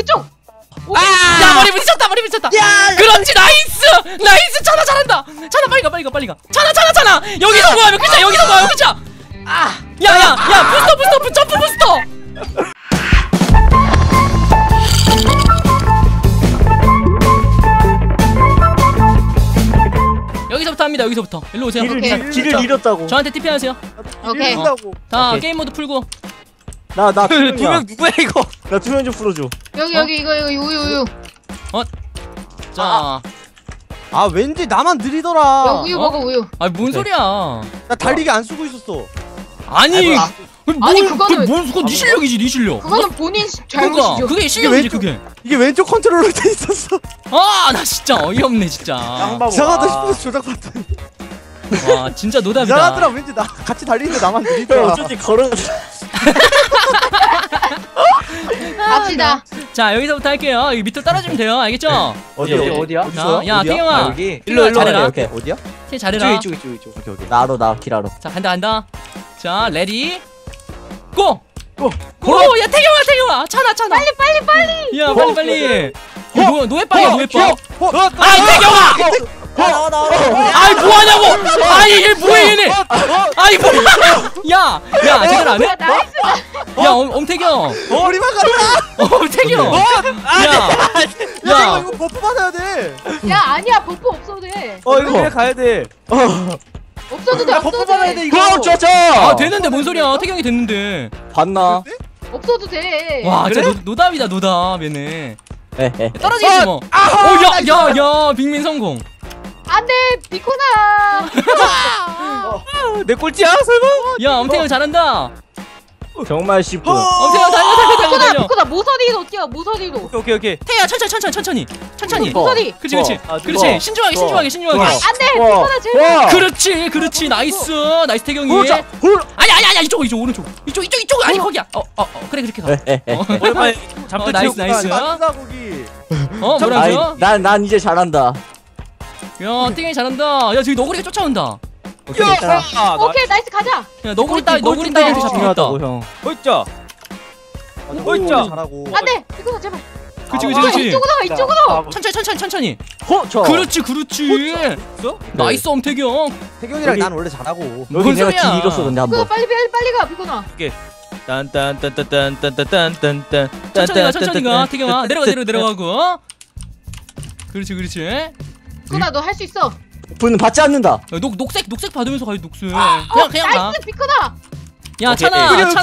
그쪽. 야 머리 부딪혔다 머리 부딪혔다. 그렇지 나이스 찬아 잘한다. 찬아 빨리 가 찬아 여기서 뭐야 몇 글자 여기서 뭐야 몇 글자. 야야야 부스터 점프 부스터. 여기서부터 합니다. 여기서부터 일로 오세요. 길을 잃었다고. 저한테 TP 하세요. 오케이. 자 게임 모드 풀고. 나 두 명 누구야 이거? 나 투명 좀 풀어줘. 여기 이거 우유. 자 아 왠지 나만 야, 느리더라. 우유 먹어 우유. 뭔 소리야? 나 달리기 안 쓰고 있었어. 아니 그거는 그건 네 실력이지 네 실력. 그거는 본인 그러니까 잘못이죠. 그게 실력이지 왼쪽- 그게. 이게 왼쪽 컨트롤로 돼 있었어. 나 진짜 어이없네 진짜. 이상하다 싶어서 조작받더니 와 진짜 노답이다. 이상하더라. 왠지 나 같이 달리는데 나만 형 느리더라. 어쩐지 걸어. 갑시다. 자 여기서부터 할게요. 여기 밑으로 떨어지면 돼요. 알겠죠? 어디야? 야 태경아 여기. 일로 잘해라. 오케이. 어디야? 태 잘해라. 이쪽. 오케이. 나로 길하러. 자 간다. 자 레디 고. 야 태경아 찬아. 빨리. 야 빨리. 노예빵이야 노예빵. 아이 태경아. 아이 뭐하냐고. 아이 얘 뭐해 얘네. 아이 뭐야. 야 제대로 안 해? 나이스. 야 엄태경. 머리만 가라. 엄태경. 야 이거 버프 받아야 돼. 야 아니야 버프 없어도 돼. 이거 그냥 가야 돼. 없어도 돼. 버프 받아야 돼 이거. 아 되는데 뭔 소리야. 태경이 됐는데. 봤나? 없어도 돼. 와 진짜 노답이다 노답 얘네. 에헤. 떨어지지 뭐. 야 빅민 성공. 안돼 비코나. 내 꼴찌야 설마? 야 엄태경 잘한다. 정말 쉽고. 엄태경 달려. 비코나 모서리로 뛰어 모서리로. 오케이. 태야 천천히. 모서리. 그렇지. 좋아. 신중하게. 안돼 비코나 제발. 그렇지. 나이스 태경이. 아니 이쪽 오른쪽. 이쪽 아니 거기야. 그래 그렇게 가. 오랜만에 잠깐 나이스. 맞다 거기. 뭐라고요? 난 이제 잘한다. 야 태경이 잘한다. 야 저기 너구리가 쫓아온다. 오케이. 오케이 나이스 가자. 야 너구리 따위한테 잡히겠다. 형. 어있자. 잘하고. 안돼 비코나 제발. 그렇지. 이쪽으로. 천천히. 저. 그렇지. 나이스 엄태경. 태경이랑 여기- 난 원래 잘하고. 여기 뭔 내가 소리야. 길 잃었어 근데 비코나 한번. 빨리 가 비코나. 딴딴딴딴딴딴딴딴딴. 천천히 가 태경아. 내려가고. 그렇지. 비코나 너 할 수 있어. 분은 받지 않는다. 야, 녹색 받으면서 가야지 녹색. 그냥 가. 나이스 비코나. 야 오케이.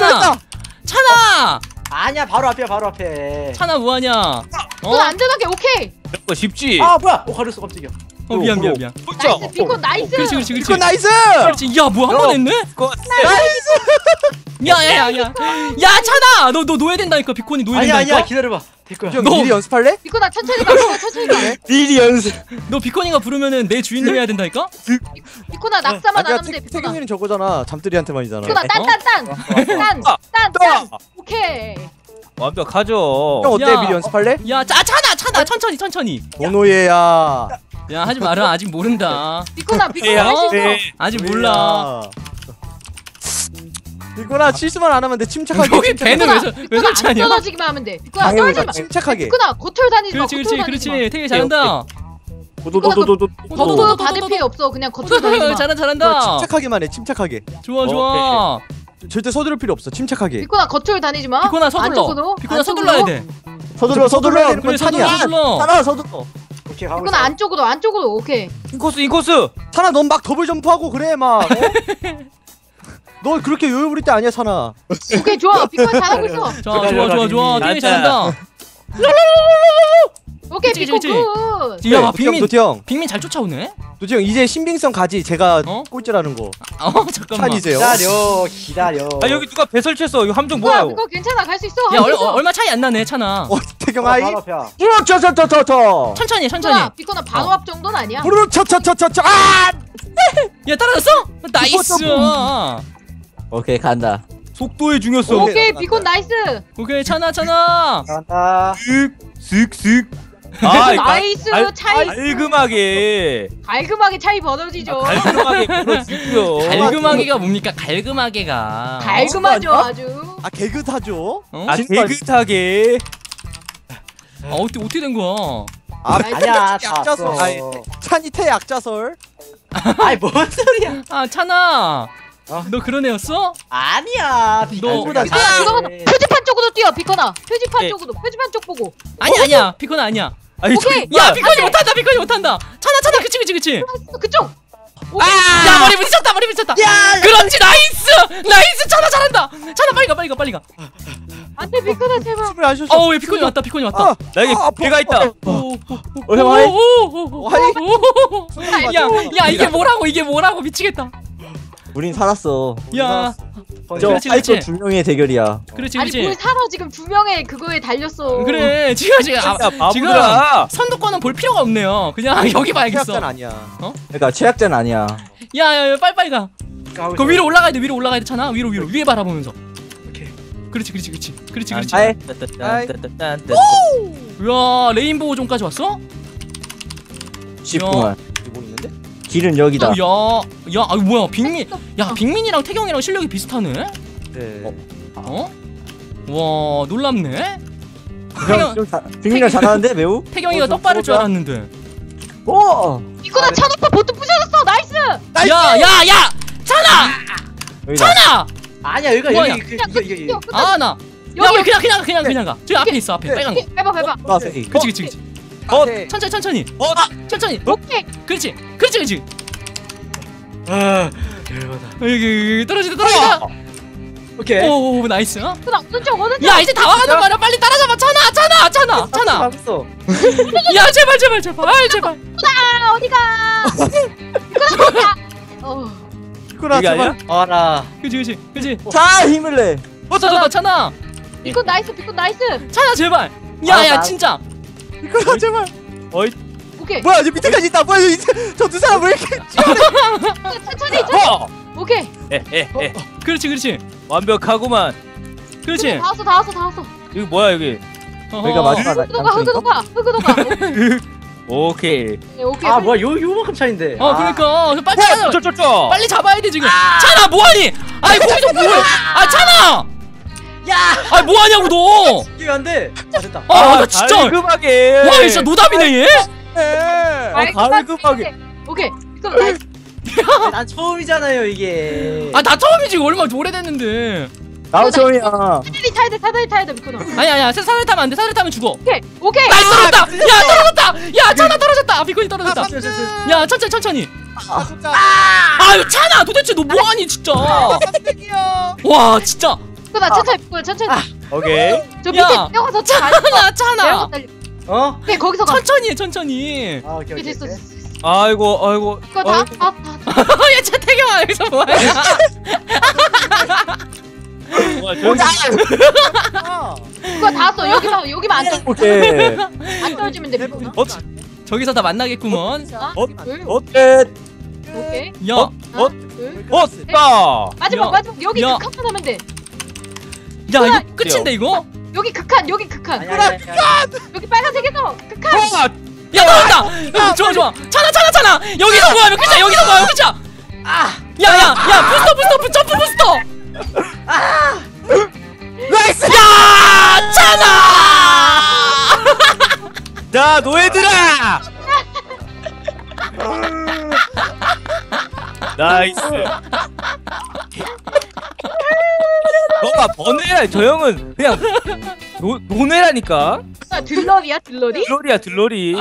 찬아. 아니야 바로 앞에. 찬아 뭐하냐? 비코나 안전하게 오케이. 이거 쉽지. 뭐야? 가렸어 깜짝이야. 미안. 나이스 비코 나이스. 그렇지. 이거 나이스. 그렇지. 야 뭐 한 번 했네? 야 찬아 너 노예된다니까. 비콘이 노예된다니까. 기다려봐. 됐고요. 형 너- 미리 연습할래? 비코나 천천히 가. 미리 연습. 너 비콘이가 부르면은 내 주인님 해야 된다니까? 비코나 낙사만 안 아니야 하면 돼 비코나. 태경이는 저거잖아. 잠들이한테만이잖아. 비코나 딴. 오케이. 완벽하죠. 형 어때? 야. 미리 연습할래? 야 찬아 천천히. 도노예야. 야 하지 마라. 아직 모른다. 비코나 할 수 있어. 아직 몰라. 이거나 실수만 안 하면 돼. 침착하게. 여기 배는 왜 비코나 안 설치하냐? 떨어지기만 하면 돼. 비코나 당연히 떨어지지 마. 침착하게. 비코나 겉을 다니지 마. 그렇지. 되게 잘한다. 겉도 받을 필요 없어. 그냥 겉을 다니지 마. 잘한다. 침착하게만 해. 침착하게. 좋아. 절대 서두를 필요 없어. 침착하게. 비코나 겉을 다니지 마. 비코나 서둘러. 비코나 서둘러야 돼. 서둘러야 되는 그래 건 찬이야. 서둘러. 오케이 비코나 안쪽으로. 오케이. 인코스. 찬아 넌 막 더블 점프하고 그래 막. 너 그렇게 여유 부릴 때 아니야 찬아. 오케이 좋아. 비코나 잘하고 있어. 좋아. 되게 잘한다. 오케이 그치, 비코 그치. 굿. 야 빅민 도티형 잘 쫓아오네. 도티형 이제 신빙성 가지. 제가 어? 꼴찌라는 거. 잠깐만. 찬이세요? 기다려. 여기 누가 배 설치했어. 이거 함정 뭐야? 비코 괜찮아 갈 수 있어. 야 할수 있어. 얼마 차이 안 나네 찬아. 태경 아이. 저. 천천히. 비코나 바로 앞 정도는 아니야. 부르르 차차차차차. 아! 야 따라갔어? 나이스. 오케이 간다. 속도의 중요성. 오케이 비코 나이스. 오케이 찬아. 간다. 슥슥. 나이스 차이. 갈금하게 차이 벌어지죠. 갈금하게 벌어지고요. 갈금하게가 뭡니까? 갈금하게가. 갈금하죠 아주. 아 개그하죠. 어? 깨끗하게. 아 어떻게 된 거야? 아니야 다 약자설. 왔어. 아니, 찬이 태 약자설. 아이 뭔 소리야? 아 찬아, 너 그런 애였어? 아니야. 너보다 비코나 그거 표지판 쪽으로 뛰어 비코나. 표지판 네. 쪽으로. 표지판 쪽 보고. 아니야 피코는 아니야. 아니 오케이. 야 피코니 못한다 피코니 못한다. 찬아 그치. 그쪽. 야 머리 부딪혔다. 그렇지 나이스 찬아 잘한다. 찬아 빨리 가. 안돼 비코나 제발. 숨을 안 쉬었어. 왜 피코니 왔다. 나에게 기회가 있다. 야 이게 뭐라고 미치겠다. 우린 살았어. 야 저 그렇지. 파이터 두 명의 대결이야. 그렇지. 아니 뭘 살아 지금 두 명의 그거에 달렸어. 그래 지금 진짜 지금 바보들아. 선두권은 볼 필요가 없네요. 그냥 여기 봐야겠어. 약자는 아니야. 그러니까 최악자는 아니야. 야 빨리 가. 그 위로 올라가야 돼 찬아. 위로 위에 바라보면서. 그렇지. 아이. 야 레인보우 존까지 왔어? 10분만. 뭐 있는데? 길은 여기다. 야 뭐야 빅민이랑 태경이랑 실력이 비슷하네? 네. 와 놀랍네. 빅민이랑 잘하는데 매우? 태경이가 떡바를 줄 알았는데. 오. 비코나 찬 오빠 보트 부셔졌어. 나이스. 야 찬아 찬아. 아니야 여기가 뭐야? 여기 이거. 나 여기 그냥 가. 저기 앞에 있어 앞에 빨간 거. 해봐. 그치. 천천히. 천천히. 오케이. 그렇지. 여기 떨어지다. 오케이. 오 나이스. 비코나 오른쪽. 야 이제 다 와가는 거야. 빨리 따라잡아. 찬아. 봤어. 야 제발. 아 어디가? 비코나. 비코나 이게 아니야? 제발. 알아. 그치. 자 힘을 내. 찬아. 비코 나이스. 찬아 제발. 야야 나- 진짜. 비코나 제발. 오케이. 뭐야 저 밑에까지 있다. 뭐야 저 두 사람 왜 이렇게? 천천히. 오케이. 그렇지. 완벽하구만. 그렇지. 다 왔어. 여기 뭐야 여기? 여기가 마지막. 흑우도가. 오케이. 오케이. 아 뭐야 요만큼 차인데. 그러니까 빨리 찾아. 쩌쩌쩌. 빨리 잡아야 돼 지금. 찬아 뭐하니? 아이 거기서 뭐해? 찬아. 야. 뭐하냐고 너. 이게 안 돼. 됐다. 나 진짜. 깔끔하게. 와 진짜 노답이네 얘. 깔끔하게. 오케이. 그럼 나이스. 난 처음이잖아요 이게. 나 처음이지 얼마 오래됐는데. 나도 처음이야. 사다리 타야 돼 비코나. 아니야 사다리 타면 안 돼. 사다리 타면 죽어. 오케이. 나이스 떨어졌다. 야 찬아 떨어졌다. 비콘이 떨어졌다. 야 천천히. 아유 찬아 도대체 너 뭐하니 진짜. 와 진짜. 비코나 천천히. 오케이. 저 밑에 야. 뛰어가서 찬아. 오케이 거기서 가. 천천히 해 천천히. 아 오케이. 됐어. 아이고. 이거 다. 야 진짜 태경아 여기서 뭐하냐. 이거 다 왔어. 여기만 안 오케이. 떨어지면 돼 비코나. 저기서 다 만나겠구먼. 하나, 둘, 오케이. 야 둘. 됐다. 마지막 여기 야. 극한 하면 돼. 야 이거 끝인데 이거? 여기 극한. 여기 빨간색에서 극한. 야 나온다. 좋아. 찬아. 여기서 뭐야 끝이야. 야야 부스터 점프 부스터. 나이스. 야 찬아. 자 노예들아. 나이스. 너가 번외야. 저 형은 그냥 노네라니까. 들러리야 들러리? 들러리.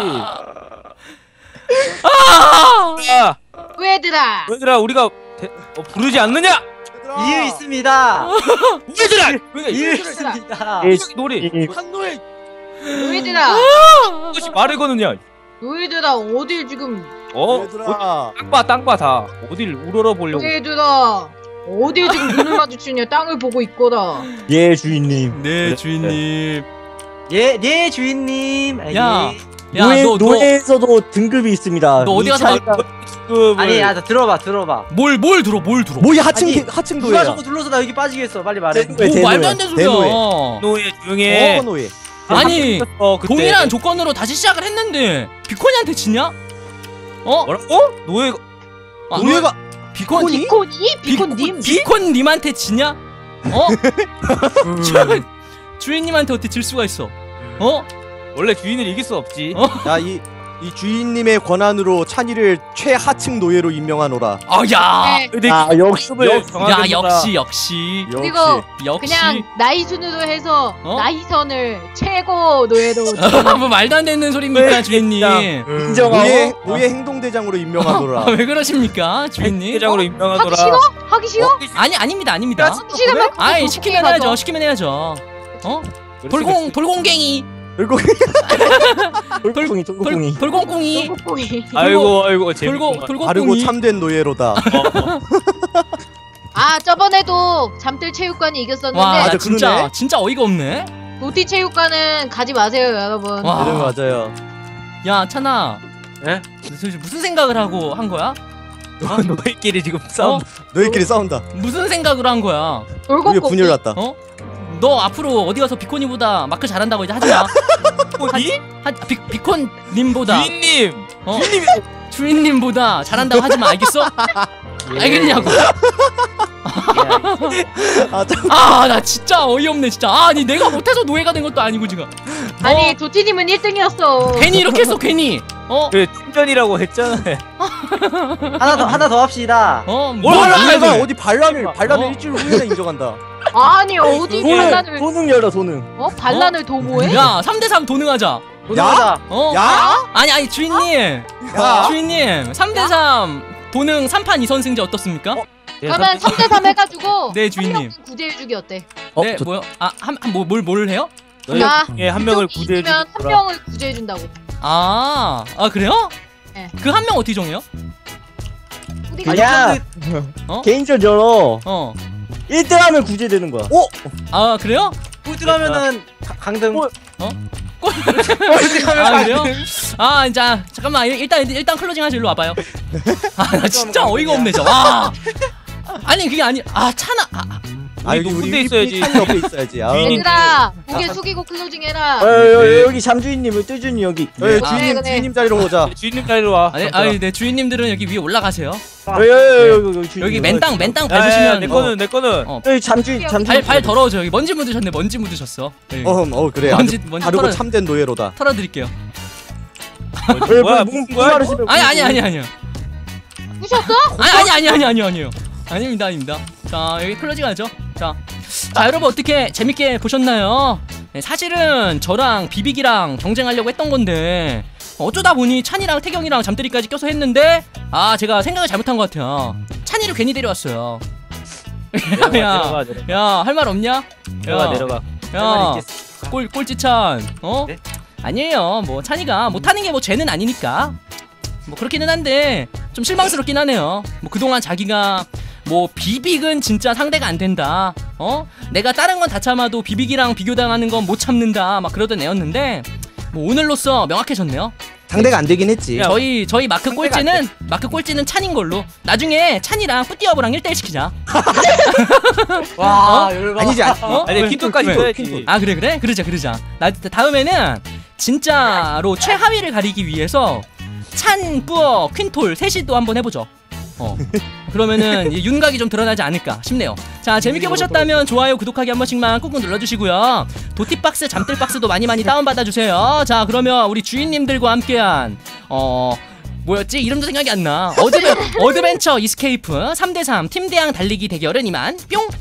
아. 얘들아. 노예들아 우리가 부르지 않느냐? 이유 있습니다. 노예들아. 이유 있습니다. 노래. 한노예. 얘들아. 그것이 말을 거느냐? 얘들아 어딜 지금. 얘들아. 땅봐 다. 어딜 우러러 보려고. 얘들아 어딜 지금 눈을 마주치냐. 땅을 보고 있거라. 예 주인님. 네 주인님. 네 주인님. 야. 노예에서도 등급이 있습니다. 너 어디 이 가서 차이가- 아니야 들어봐. 뭘 들어? 뭐야 아니, 하층 누가 노예야. 저거 눌러서 나 여기 빠지겠어. 빨리 말해. 뭐 말도 안 되는 소리야. 노예 조용해. 노예. 아니 그때. 동일한 조건으로 다시 시작을 했는데 비코니한테 지냐? 뭐라고? 노예. 노예가 비코니? 비콘님. 비콘님한테 지냐? 주인님한테 어떻게 질 수가 있어? 원래 주인을 이길 수 없지. 야이 주인님의 권한으로 찬이를 최하층 노예로 임명하노라. 야. 네. 근데 역시 야 역시. 그리고 역시. 그냥 나이 순으로 해서 어? 나이선을 최고 노예로. 뭐 말도 안 되는 소리입니까 주인님? 노예 행동대장으로 임명하노라. 왜 그러십니까 주인님? 대장으로 하기 임명하더라. 싫어? 하기 싫어? 아닙니다. 싫으면 아이 시키면 해야죠. 시키면 해야죠. 돌공갱이. 돌공이 돌공공이. 아이고 재밌구만. 바르고 돌공공이. 참된 노예로다. 아 저번에도 잠들 체육관이 이겼었는데 와, 나 맞아, 진짜 어이가 없네. 도티 체육관은 가지 마세요 여러분. 와. 네, 맞아요. 야, 찬아. 예? 무슨 생각을 하고 한 거야? 너희끼리 지금 싸움. 너희끼리 싸운다. 무슨 생각으로 한 거야? 우리 분열 났다. 너 앞으로 어디 가서 비코니보다 마크 잘한다고 이제 하지 마. 니? 비콘님보다 주인님. 주인님보다 잘한다고 하지 마. 알겠어? 알겠냐고. 나 진짜 어이없네 진짜. 아니 내가 못해서 노예가 된 것도 아니고 지금. 아니 도티님은 1등이었어. 괜히 이렇게 했어 괜히. 왜 팀전이라고 했잖아. 하나 더 합시다. 내가 어디 반란을 일주일 후에 인정한다. 아니 어디 반란을 도능 열어 도능. 반란을 도모해? 야 3대3 도능하자. 도능하자. 야? 아니 주인님. 주인님 3대3 도능 3판 2선승제 어떻습니까? 그러면 3대3 해가지고 네, 주인님. 구제해주기 어때? 네 뭐요? 뭘 해요? 한 명을 구제해주면 한 명을 구제해준다고. 그래요? 네. 그 한 명 어떻게 정해요? 우리가 야 개인전 열어. 1등하면 구제되는 거야. 그래요? 꼴등하면은 강등. 그래요? 자 잠깐만 일단 클로징 하자. 일로 와봐요. 나 진짜 어이가 없네 진짜. 와. 아니 그게 아니. 찬아. 여기 군대 있어야지. 찬이 옆에 있어야지. 얘들아 고개 숙이고 클로징 해라. 여기 잠주인님은 뜨준이 여기. 주인님 자리로 오자. 주인님 자리로 와. 네 주인님들은 여기 위에 올라가세요. 여기 맨땅 밟으시면 내 거는. 여기 잠주인 발 더러워져. 여기 먼지 묻으셨네. 먼지 묻으셨어. 그래. 먼지 바르고 참된 노예로다. 털어드릴게요. 뭐야 무슨 거야? 아니요. 부셨어? 아니요. 아닙니다. 자 여기 클로징 하죠. 자 여러분 어떻게 재밌게 보셨나요? 네, 사실은 저랑 비빅이랑 경쟁하려고 했던 건데 어쩌다 보니 찬이랑 태경이랑 잠들이까지 껴서 했는데 제가 생각을 잘못한 것 같아요. 찬이를 괜히 데려왔어요. 내려가. 야 할 말 없냐? 내려가. 야 꼴찌찬 네? 아니에요. 뭐 찬이가 못하는 게 뭐 죄는 아니니까 뭐 그렇기는 한데 좀 실망스럽긴 하네요. 뭐 그동안 자기가 뭐 비빅은 진짜 상대가 안 된다. 내가 다른 건 다 참아도 비빅이랑 비교당하는 건 못 참는다. 막 그러던 애였는데 뭐 오늘로써 명확해졌네요. 상대가 안 되긴 했지. 저희 마크 꼴찌는 찬인 걸로. 나중에 찬이랑 뿌띠어브랑 1대1 시키자. 와 열받아. 아니지. 아니 킨토까지 줘야지. 그래? 그러자. 다음에는 진짜로 최하위를 가리기 위해서 찬, 뿌어, 퀸톨 셋이 또 한번 해보죠. 그러면은 윤곽이 좀 드러나지 않을까 싶네요. 자 재밌게 보셨다면 좋아요 구독하기 한 번씩만 꾹꾹 눌러주시고요. 도티박스 잠들박스도 많이 다운받아주세요. 자 그러면 우리 주인님들과 함께한 뭐였지? 이름도 생각이 안나. 어드벤처 이스케이프 3대3 팀대항 달리기 대결은 이만 뿅.